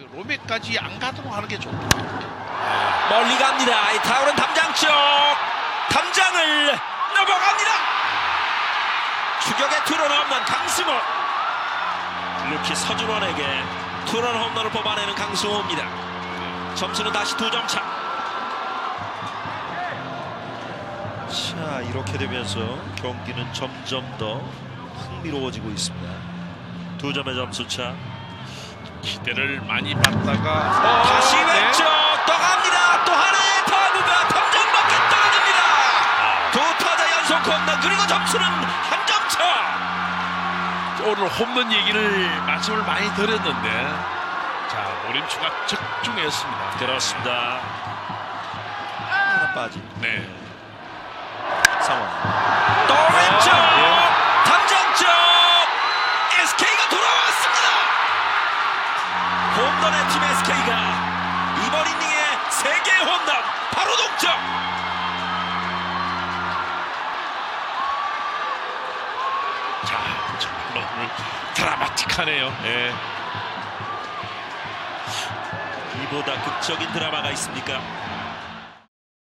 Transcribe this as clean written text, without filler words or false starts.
로맥까지 안 가도록 하는 게 좋다. 멀리 갑니다. 이 타울은 담장 쪽. 담장을 넘어갑니다. 추격의 투런 홈런 강승호. 루키 서준원에게 투런 홈런을 뽑아내는 강승호입니다. 점수는 다시 2점 차. 자, 이렇게 되면서 경기는 점점 더 흥미로워지고 있습니다. 2점의 점수차. 기대를 많이 받다가 다시 왼쪽 떠갑니다. 또 하나의 타구가 담장 밖에 떨어집니다. 두 타자 연속 홈런 그리고 점수는 한 점 차. 오늘 홈런 얘기를 말씀을 많이 드렸는데 자 노림수가 적중했습니다. 그렇습니다. 하나 빠진 네. 상황. 또 왼쪽 담장 쪽 SK가 돌아왔습니다. 홈런의 팀 SK가 이번 이닝에 3개 홈런 바로 동점. 자 정말 오늘 드라마틱하네요. 예. 이보다 극적인 드라마가 있습니까?